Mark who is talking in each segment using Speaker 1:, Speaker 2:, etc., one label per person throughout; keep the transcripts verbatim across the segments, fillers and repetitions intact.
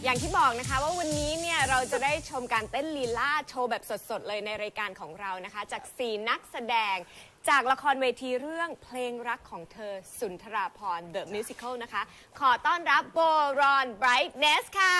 Speaker 1: อย่างที่บอกนะคะว่าวันนี้เนี่ยเราจะได้ชมการเต้นลีลาโชว์แบบสดๆเลยในรายการของเรานะคะจากสี่นักแสดงจากละครเวทีเรื่องเพลงรักของเธอสุนทราภรณ์ The Musical นะคะขอต้อนรับโบรอนไบรท์เนสค่ะ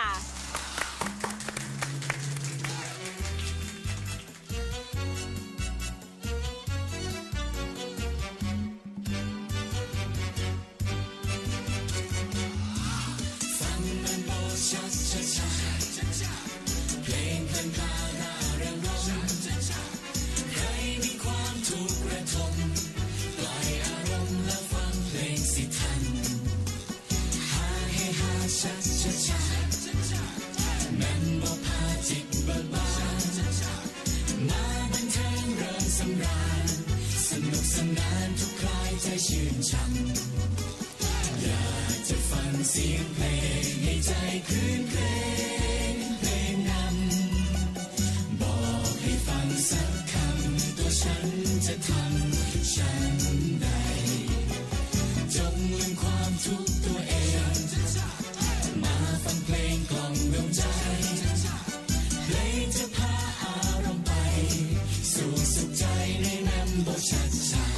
Speaker 2: ชื่นช่ำอยากจะฟังเสียงเพลงให้ใจคลื่นเพลงเพลงนำบอกให้ฟังสักคำตัวฉันจะทำฉันใดจงลืมความทุกข์ตัวเองมาฟังเพลงกล่อมดวงใจเพลงจะพาอารมณ์ไปสู่สุขใจในนำบทชัดชา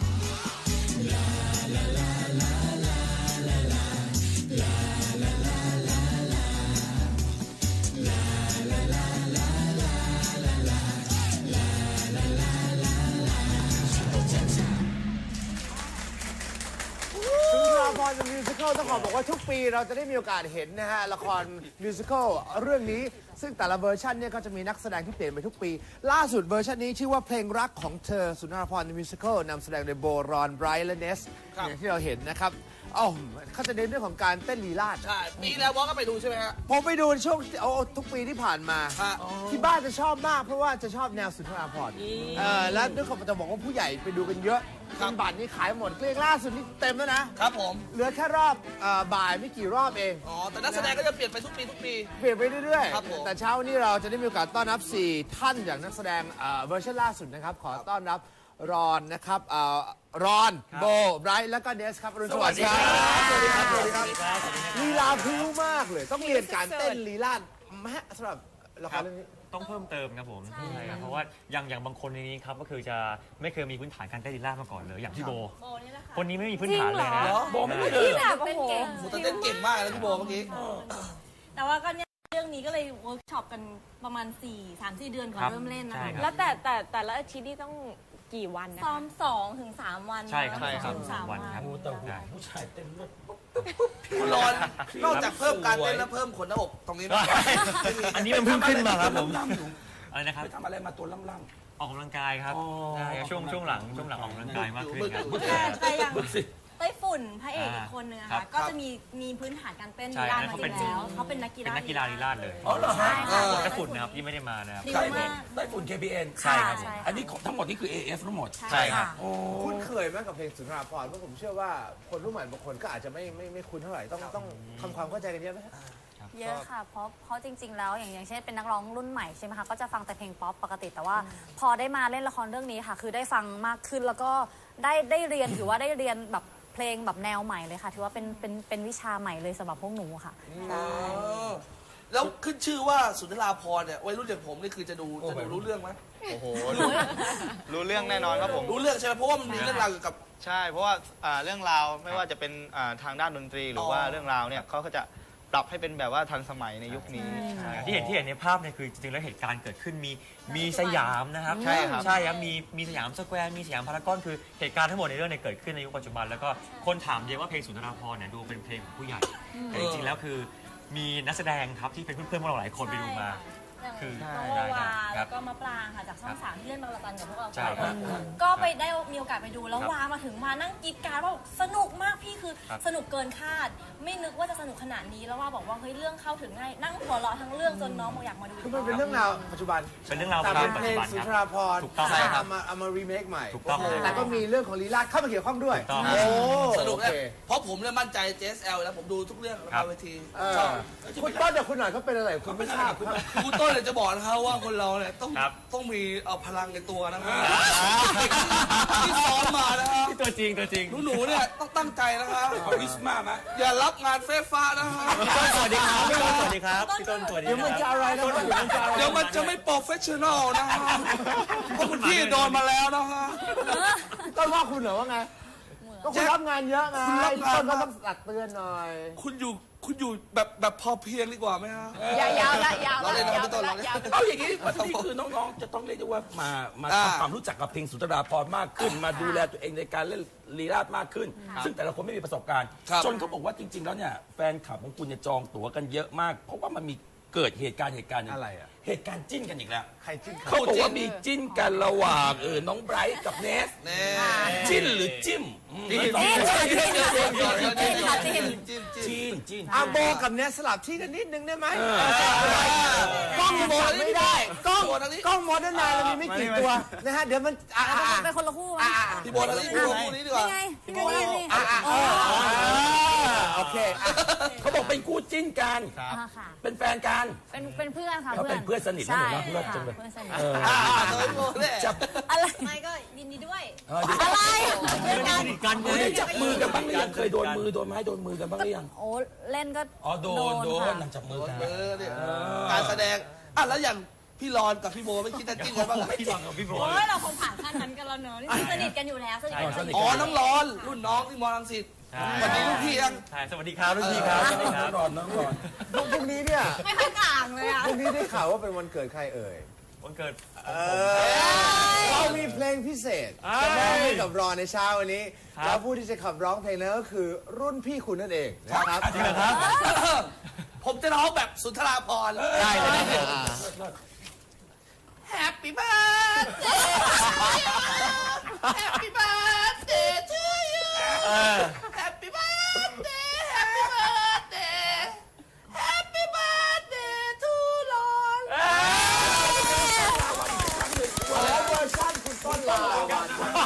Speaker 3: ละครมิวสิควลต้องขอบอกว่าทุกปีเราจะได้มีโอกาสเห็นนะฮะละครมิวสิควลเรื่องนี้ซึ่งแต่ละเวอร์ชันเนี่ยก็จะมีนักแสดงที่เปลี่ยนไปทุกปีล่าสุดเวอร์ชันนี้ชื่อว่าเพลงรักของเธอสุนทรภรณ์มิวสิควลนำแสดงโดยโบรอนไบรท์และเนสอย่างที่เราเห็นนะครับอ๋อเขาจะเน้นเรื่องของการเต้นลีลาศ
Speaker 4: ใช่ปีแล้ววอลก็ไปดูใช่ไหมฮะ
Speaker 3: ผมไปดูช่วงโอ้ทุกปีที่ผ่านมาที่บ้านจะชอบมากเพราะว่าจะชอบแนวสุนทรภรณ์เออแล้วด้วยความจะบอกว่าผู้ใหญ่ไปดูกันเยอะบัตรนี่ขายหมดเกลี้ยงล่าสุดนี่เต็มแล้วนะครับ
Speaker 4: ผม
Speaker 3: เหลือแค่รอบบ่ายไม่กี่รอบเอง
Speaker 4: อ๋อแต่นักแสดงก็จะเปลี่ยนไปทุกปีทุกปี
Speaker 3: เปลี่ยนไปเรื่อยๆแต่เช้านี้เราจะได้มีโอกาสต้อนรับสี่ท่านอย่างนักแสดงเวอร์ชันล่าสุดนะครับขอต้อนรับรอนนะครับรอนโบไบรท์แล้วก็เนสครับอรุณสวัสดิ์ครับสวัสดีครับสวัสดีครับลีลาพริ้วมากเลยต้องเรียนการเต้นลีลาศแม้สำหรับละครเรื่องนี้
Speaker 5: ต้องเพิ่มเติมครับผมใช่ครับเพราะว่าอย่างอย่างบางคนในนี้ครับก็คือจะไม่เคยมีพื้นฐานการเต้นลีลาศมาก่อนเลยอย่างพี่โบคนนี้ไม่มีพื้นฐานเลยนะ
Speaker 4: โบไม่มีเลยแบบโอ้โหแต่เต้นเก่งมากเลยพี่โบเมื่อกี้
Speaker 6: แต่ว่าก็เนี่ยเรื่องนี้ก็เลยเวิร์กช็อปกันประมาณสี่ สาม สี่เดือนก่อนเริ่มเล่นนะคะ
Speaker 1: แล้วแต่แต่แต่ละอาทิตย์นี่ต้องกี่วันนะ
Speaker 6: ซ้อมสองถึงสามวัน
Speaker 5: ใช่ครับใช่ครับ
Speaker 6: สามวัน
Speaker 5: ครับ
Speaker 4: แต่ผู้ชายเต้นคุณรอนนอกจากเพิ่มการเต้นแล้วเพิ่มขนหน้าอกตรงนี้ด้วย
Speaker 5: อันนี้มันเพิ่มขึ้นมาครับผมอะไรนะครับ
Speaker 4: ไปทำอะไรมาตัวล่ำ
Speaker 5: ๆออกกำลังกายครับใช่ช่วงช่วงหลังช่วงหลังออกกำลังกายมากขึ้นครับ
Speaker 6: แต่อย่างไต้ฝุ่นพระเอกอีกคนนึงนะคะก็จะมีมีพื้นฐานการเต้นลีลามาจริงแล้วเขาเป็นนักกีฬา
Speaker 5: เป็นนักกีฬาลีลาศเลย
Speaker 4: อ๋อเหรอฮะ
Speaker 5: ไต้ฝุ่นนะครับที่ไม่ได้มานะครับ
Speaker 4: ไต้ฝุ่น เค พี เอ็น
Speaker 5: ใช่ครับ
Speaker 4: อันนี้ทั้งหมดนี่คือ เอ เอฟ ทั้งหมด
Speaker 5: ใช่ครับ
Speaker 3: คุ้นเคยไหมกับเพลงสุนทรภรณ์เพราะผมเชื่อว่าคนรุ่นใหม่บางคนก็อาจจะไม่ไม่ไม่คุ้นเท่าไหร่ต้องต้องทำความเข้าใจกันเยอะไหม
Speaker 7: เยอะค่ะเพราะเพราะจริงๆแล้วอย่างอย่างเช่นเป็นนักร้องรุ่นใหม่ใช่ไหมคะก็จะฟังแต่เพลงป๊อปปกติแต่ว่าพอได้มาเล่นละครเรื่องนี้ค่ะคือได้ฟังมากขึ้นแล้วก็ได้ได้เรียนถือว่าได้เรียนแบบเพลงแบบแนวใหม่เลยค่ะถือว่าเป็นเป็นเป็นวิชาใหม่เลยสำหรับพวกหนูค่ะ
Speaker 4: แล้วขึ้นชื่อว่าสุนทราภรณ์เนี่ยวัยรุ่นอย่างผมนี่คือจะดูจะดูรู้เรื่องไหม
Speaker 8: โอ้โหรู้เรื่องแน่นอนครับผม
Speaker 4: รู้เรื่องใช่ไหมเพราะว่ามันมีเรื่องราวเกี่ยวกับ
Speaker 8: ใช่เพราะว่าเรื่องราวไม่ว่าจะเป็นทางด้านดนตรีหรือว่าเรื่องราวเนี่ยเขาก็จะปรับให้เป็นแบบว่าทันสมัยในยุคนี้
Speaker 5: ที่เห็นที่เห็นในภาพเนี่ยคือจริงๆแล้วเหตุการณ์เกิดขึ้นมีมีสยามนะครับ
Speaker 8: ใช่ครับ
Speaker 5: ใช่ครับมีมีสยามสแควร์มีสยามพารากอนคือเหตุการณ์ทั้งหมดในเรื่องเนี่ยเกิดขึ้นในยุคปัจจุบันแล้วก็คนถามเยอะว่าเพลงสุนทรภรณ์เนี่ยดูเป็นเพลงของผู้ใหญ่แต่จริงๆแล้วคือมีนักแสดงครับที่เป็นเพื่อนๆพวกเราหลายคนไปดูมา
Speaker 6: คือโนวาแล้วก็มะปรางค่ะจากช่องสามที่เล่นบางระจันกับพวกเราก็ไปได้มีโอกาสไปดูแล้ววามาถึงมานั่งกรี๊ดกราดว่าสนุกมากพี่คือสนุกเกินคาดไม่นึกว่าจะสนุกขนาดนี้แล้วว่าบอกว่าเฮ้ยเรื่องเข้าถึงง่ายนั่งหัวเราะทั้งเรื่องจนน้องบอกอยากมาดู
Speaker 3: คือมันเป็นเรื่องราวปัจจุบัน
Speaker 5: เป็นเรื่องราว
Speaker 3: ปัจจุบันเพลงสุนทรภรณ์
Speaker 5: ถูกต้อง
Speaker 3: เอามาเอามารีเมคใหม่
Speaker 5: ถูกต้อง
Speaker 3: แต่ก็มีเรื่องของลีลาศเข้ามาเกี่ยวข้องด้วย
Speaker 5: โอ้
Speaker 4: สนุกเลยเพราะผมเนี่ยมั่นใจ เจ เอส แอล แล้วผมดูทุกเรื่องในเวที
Speaker 3: คุณต้นเดี๋ยวคุณหน่อยเขาเป็นอะไรคุณไม่ทราบ
Speaker 4: คุณต้นเนี่ยจะบอกนะครับว่าคนเราเนี่ยต้องต้องมีเอาพลังในตัวนะครับที่ซ้อมมานะครับ
Speaker 5: ที่ตัวจริงตัวจริง
Speaker 4: หนูเนี่ยต้องตั้งใจนะครับเอาวิสมาไหมอย่ารับงานเฟ้ฟ้านะครับ
Speaker 5: สวัสดีครับดีครับพี่ต้นสวัสดี
Speaker 3: เดี๋ยวมันจะอะไรนะเดี๋ยวมันจะอะไร
Speaker 4: เดี๋ยวมันจะไม่โปรเฟชชั่นอลนะฮะเพราะคุณพี่โดนมาแล้วนะฮะ
Speaker 3: ต้นว่าคุณเหรอว่าไงก็คุณรับงานเยอะไง
Speaker 4: คุณรับงาน
Speaker 3: ต้นก็ต้องตักเตือนหน่อย
Speaker 4: คุณอยู่คุณอยู่แบบแบบพอเพียงดีกว่าไหมฮะ
Speaker 1: ยาวๆละยาว
Speaker 4: เรา
Speaker 1: ละ
Speaker 4: เล่นนะ
Speaker 1: ยาว
Speaker 4: พี่ต้น
Speaker 1: ละ
Speaker 4: เราเล่น
Speaker 1: ยาว
Speaker 9: เอาอย่างนี้วันนี้คือน้องๆ จะต้องเรียกได้ว่ามามา
Speaker 4: อ่า
Speaker 9: ทำความรู้จักกับเพลงสุนทราภรณ์มากขึ้น มาดูแลตัวเองในการเล่นลีลาศมากขึ้น ซึ่งแต่ละคนไม่มีประสบการณ์
Speaker 4: ครับ
Speaker 9: จนเขาบอกว่าจริง ๆ แล้วเนี่ยแฟนคลับของคุณเนี่ยจองตั๋วกันเยอะมาก เพราะว่ามันมีเกิดเหตุการณ์เหตุการณ์หนึ่ง
Speaker 3: อะไรอ่ะ
Speaker 9: เหตุการณ์จิ้นกันอีกแล้ว
Speaker 3: ใครจิ้น
Speaker 9: เขาบอกว่ามีจิ้นกันระหว่างเออน้องไบรท์กับเนส
Speaker 4: แน่
Speaker 9: จิ้นหรือจิ้มอืม
Speaker 4: จิ้น
Speaker 9: จิ้น
Speaker 4: จิ้น
Speaker 9: จิ้นจิ้น
Speaker 3: อาโบกับเนสสลับที่กันนิดนึงได้ไหม
Speaker 4: กล้องโม
Speaker 3: จับไม่ได้กล้อง
Speaker 4: โบทางนี้
Speaker 3: กล้องโมเดิร์นไนน์เรามีไม่กี่ตัวนะฮะเดี๋ยวมันอ่ะอ่ะอ่ะ
Speaker 7: เป็นคนละคู่ไหม
Speaker 4: พี่โบทางนี้พี่โบทางนี้ดีกว่า
Speaker 7: นี่ไงพี่โบนี่นี่
Speaker 3: อ่ะอ่ะอ่ะโอเคอ่ะ
Speaker 9: เขาบอกเป็นคู่จิ้นกัน
Speaker 7: อ่าค่ะ
Speaker 9: เป็นแฟนกัน
Speaker 7: เป็นเป็นเพื่อนค่ะ
Speaker 9: เขาเป็นเพื่อนสนิทนะ
Speaker 7: ใช่
Speaker 9: หนูนะเพื่อน
Speaker 7: ค่ะ
Speaker 9: จังเลย
Speaker 7: เพื่อนสนิท
Speaker 9: เออ
Speaker 4: อ่าโดยโบทเนี่ย
Speaker 9: จับ
Speaker 7: อะไร
Speaker 6: ไม่ก็ยินดีด้วย
Speaker 9: เออเดี๋ยว
Speaker 7: อะไร
Speaker 5: ไม่ได้สนิทกันไง
Speaker 9: ได้จับมือกันบ้างหรือยังเคยโดนมือโดนไม้โดนมือกันบ้างหรือยัง
Speaker 7: โอ้เล่นก็
Speaker 9: อ๋อโดนโดน
Speaker 7: ค่ะ
Speaker 9: นางจับมือกัน
Speaker 4: เออเนี่ยการแสดงอ่ะแล้วอย่างพี่รอนกับพี่โบไม่คิดจะจิ้นกันบ้างเหรอ
Speaker 5: พี่ฟังกับพี่โบ
Speaker 6: โอ้ยเราคงผ่านขั้นนั้นกันแล้วเนอะนี่สนิทกันอยู่แล้วสนิทกันอยู่
Speaker 4: อ๋อน้องร้อนรุ่นน้องที่มอลังสิต
Speaker 5: ใช่
Speaker 4: วันนี้ลูกพี่ยัง
Speaker 5: ใช่สวัสดีครับรุ่นพี่ครับสวัสดีค
Speaker 9: น้
Speaker 5: รั
Speaker 9: อบ งรอนน้องรอน
Speaker 3: พรุ่งนี้เนี่ย
Speaker 6: ไม่ค่อยต่างเลยอะ
Speaker 3: พรุ่งนี้ได้ข่าวว่าเป็นวันเกิดใครเอ่ย
Speaker 5: วันเกิด
Speaker 3: เรามีเพลงพิเศษจะมอบให้กับรอนในเช้าวันนี้ แล้วผู้ที่จะขับร้องเพลงนั้นก็คือรุ่นพี่คุณนั่นเองนะครับ
Speaker 5: จริงเหรอครับ
Speaker 4: ผมจะร้องแบบสุนทราภรณ์
Speaker 5: ได้เลย
Speaker 4: Happy birthday Happy birthday to you Happy birthday Happy birthday Happy birthday to รอน
Speaker 3: แล้วเวอร์ชันคุณต้นลาวัน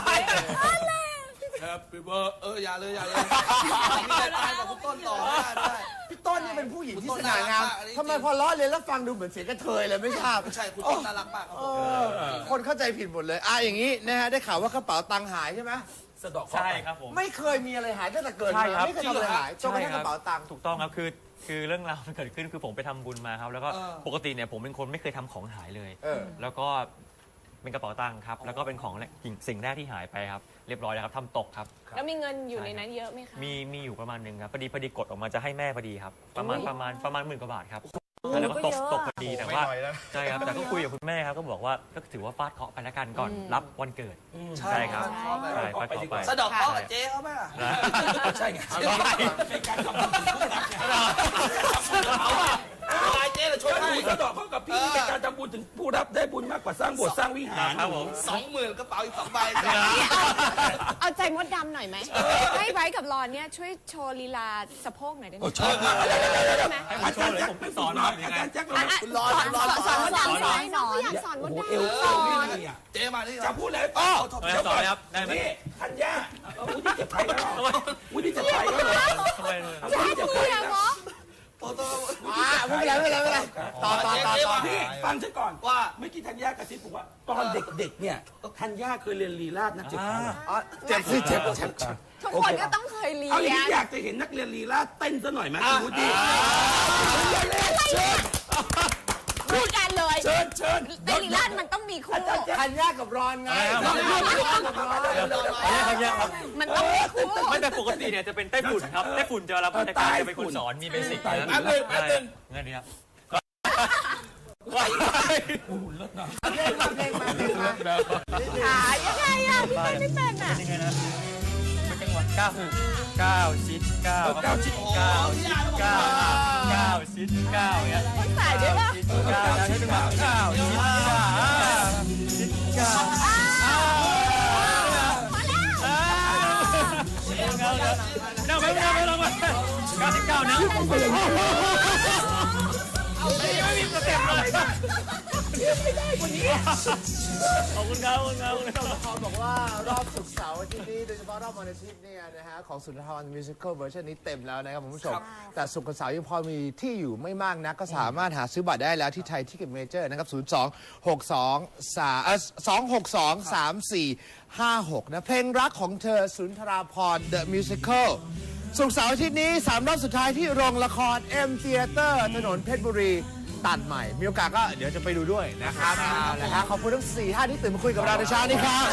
Speaker 4: Happy birthday เอออย่าเลยอย่าเลยมีแต่ตายกับคุณต้นต่อได้ได้
Speaker 3: พี่ต้นนี่เป็นผู้หญิงที่
Speaker 4: คุณ
Speaker 3: ส
Speaker 4: ต้น
Speaker 3: ง่างาม
Speaker 4: น่ารักมากอันนี้
Speaker 3: ทำไมพอล้อเลียนแล้วฟังดูเหมือนเสียงกระเทยเลยไม่ทราบ
Speaker 4: ไม่ใช่คุณต้นน่ารักมากครับ
Speaker 3: เออคนเข้าใจผิดหมดเลยอ่ะอย่างนี้นะฮะได้ข่าวว่ากระเป๋าตังค์หายใช่ไหม
Speaker 9: สะเดอกเคราะ
Speaker 5: ใช่
Speaker 9: ห์ไป
Speaker 5: ครับผม
Speaker 3: ไม่เคยมีอะไรหายตั้งแต่เกิด
Speaker 5: ใช่
Speaker 3: มา
Speaker 5: ครับ
Speaker 3: ไม่เคยทำอะไรหายจนกระทั่งกระเป๋าตังค์
Speaker 5: ถูกต้องครับคือคือเรื่องราวมันเกิดขึ้นคือผมไปทำบุญมาครับแล้วก็
Speaker 4: เออ
Speaker 5: ปกติเนี่ยผมเป็นคนไม่เคยทำของหายเลย
Speaker 3: เออ
Speaker 5: แล้วก็เป็นกระเป๋าตังค์ครับแล้วก็เป็นของแรกสิ่งแรกที่หายไปครับเรียบร้อยแล้วครับทำตกครับ
Speaker 1: แล้วมีเงินอยู่ในนั้นเยอะไหมคะ
Speaker 5: มีมีอยู่ประมาณหนึ่งครับพอดีพอดีกดออกมาจะให้แม่พอดีครับประมาณประมาณประมาณหมื่นกว่าบาทครับแล้วก็ตกตกพอดีแต่ว่าใช่ครับแต่ก็คุยกับคุณแม่ครับก็บอกว่าก็ถือว่าฟาดเคราะห์ไปแล้วกันก่อนรับวันเกิดใช่ครับใช่ฟาดเคราะห์ไป
Speaker 4: สะเดอกเคราะห์กับเจ๊เขาไหมล่ะ
Speaker 9: ใช่ไง
Speaker 5: เอาได้
Speaker 9: เป็นการทำบุญคู่รักไงเอาว่า
Speaker 4: เอาเจ๊เราช่วย
Speaker 9: ถ้าห
Speaker 4: ให้
Speaker 9: นูสะเดอกเข้ากับพี่เป็นการทำบุญถึงผู้รับได้บุญมากกว่าสร้างโบสถ์สร้างวิหาร
Speaker 5: ครับผม
Speaker 4: สองหมื่นกระเป๋าอีกสองใบ
Speaker 1: เอาใจมดดำหน่อยไหมให้ไบรท์กับรอนเนี่ยช่วยโชว์ลีลาสะโพกหน่อยได้ไหม
Speaker 9: โอ้ชอบมาก
Speaker 1: ได้ไหม
Speaker 5: ให้ผมโชว์เลยผมไปสอนหน่อยยังไง
Speaker 9: อาจารย์แจ็คเรา
Speaker 4: คุณรอนคุณรอน
Speaker 1: สอนมด
Speaker 4: สอน
Speaker 1: ดำหน่อยน้องก็อยากสอนม
Speaker 9: โอ้
Speaker 1: ด
Speaker 9: โห
Speaker 1: ดำ
Speaker 9: เอวเอวไม่ดีอ่ะ
Speaker 4: เจ๊มานี่
Speaker 9: จะพูดอะไรให้ฟัง
Speaker 5: เออสอนเลยครับได้ไหม
Speaker 9: นี่ธัญญาเอาวุฒิจะไปแล้วเหรอวุฒิจะไปแล้วเหรอ
Speaker 5: ทำไมเลย
Speaker 9: เอาวุฒิจะไปแล้ว
Speaker 4: โตโต
Speaker 3: อ่ะไม่เป็นไรไม่เป็นไรไม่เป็นไรต่อต่อต่อต่อ
Speaker 9: พี่ฟังฉันก่อน
Speaker 4: ว่า
Speaker 9: เมื่อกี้ธัญญากระซิบบอกว่าตอนเด็กๆเนี่ยธัญญาเคยเรียนลีลาศนักเจ็บขา
Speaker 3: อ๋อเจ็บสิเจ็บเจ็บ
Speaker 1: ทุกคนก็ต้องเคยเรีย
Speaker 9: เอาอย่าง
Speaker 1: น
Speaker 9: นี้อยากจะเห็นนักเรียนลีลาศเต้นซะหน่อยไหมคุณวุฒิเชิญ
Speaker 1: คู่กันเลย
Speaker 9: เชิญเชิญ
Speaker 1: เต้นลีลาดมันต้องมีคู่
Speaker 3: ธัญญากับรอนไง
Speaker 5: อะไรครับ
Speaker 3: ธัญญากับรอน
Speaker 5: อันนี้ทำยังครับ
Speaker 1: มันต้องมีคู่
Speaker 5: ไม่แต่ปกติเนี่ยจะเป็นไต้ฝุ่นครับไต้ฝุ่นจะรับราชการจะเป็นคนสอนมีเบสิกนะ
Speaker 4: แป๊บนึงแป๊บนึง
Speaker 5: เงินนี้ครับ
Speaker 9: โอ้โหเลิศนะ
Speaker 3: เพลงมาเพลงมาเพลงมา
Speaker 1: ขายังไงอ่ะพี่เต้นไม่เป็นอ่ะ
Speaker 5: ยังไงนะเป็นจังหวะเก้าเก้าชิดเก้าเก้าชิดเก้าชิดเก้าเก้าชิดเก้าเนี่ย
Speaker 1: ต้องใส่ด้วยป่ะ
Speaker 5: ชิดเก้าแล้วใช้จังหวะเก้าชิดเก้าชิดเก้า นั่งไปนั่งไปนั่งไปเก้าสิบเก้านะไม่มีสเต็ปเลยขอบคุณครับขอบคุณครับ
Speaker 3: เขาบอกว่ารอบศุกร์เสาร์อาทิตย์นี้โดยเฉพาะรอบวันอาทิตย์เนี่ยนะฮะของสุนทรภรณ์มิวสิควลเวอร์ชันนี้เต็มแล้วนะครับคุณผู้ชมแต่ศุกร์กับเสาร์ยังพอมีที่อยู่ไม่มากนะก็สามารถหาซื้อบัตรได้แล้วที่ไทยทิเก็ตเมเจอร์นะครับศูนย์ สอง หก สอง สาม เอ่อ สอง หก สอง สาม สี่ ห้า หกนะเพลงรักของเธอสุนทราภรณ์ The Musical ศุกร์เสาร์อาทิตย์นี้สามรอบสุดท้ายที่โรงละคร M Theater ถนนเพชรบุรีตัดใหม่ มีโอกาสก็เดี๋ยวจะไปดูด้วยนะครับเอาละครับขอบคุณทั้งสี่ท่านที่ตื่นมาคุยกับเราในเช้านี้ครับ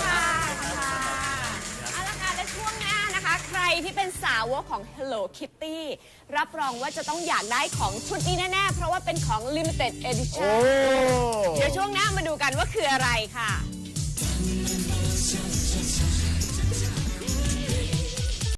Speaker 1: เอาละค่ะและช่วงหน้านะคะ ใครที่เป็นสาวกของ Hello Kitty รับรองว่าจะต้องอยากได้ของชุดนี้แน่ๆ เพราะว่าเป็นของ Limited
Speaker 3: โอ้
Speaker 1: Edition เดี๋ยวช่วงหน้ามาดูกันว่าคืออะไรค่ะ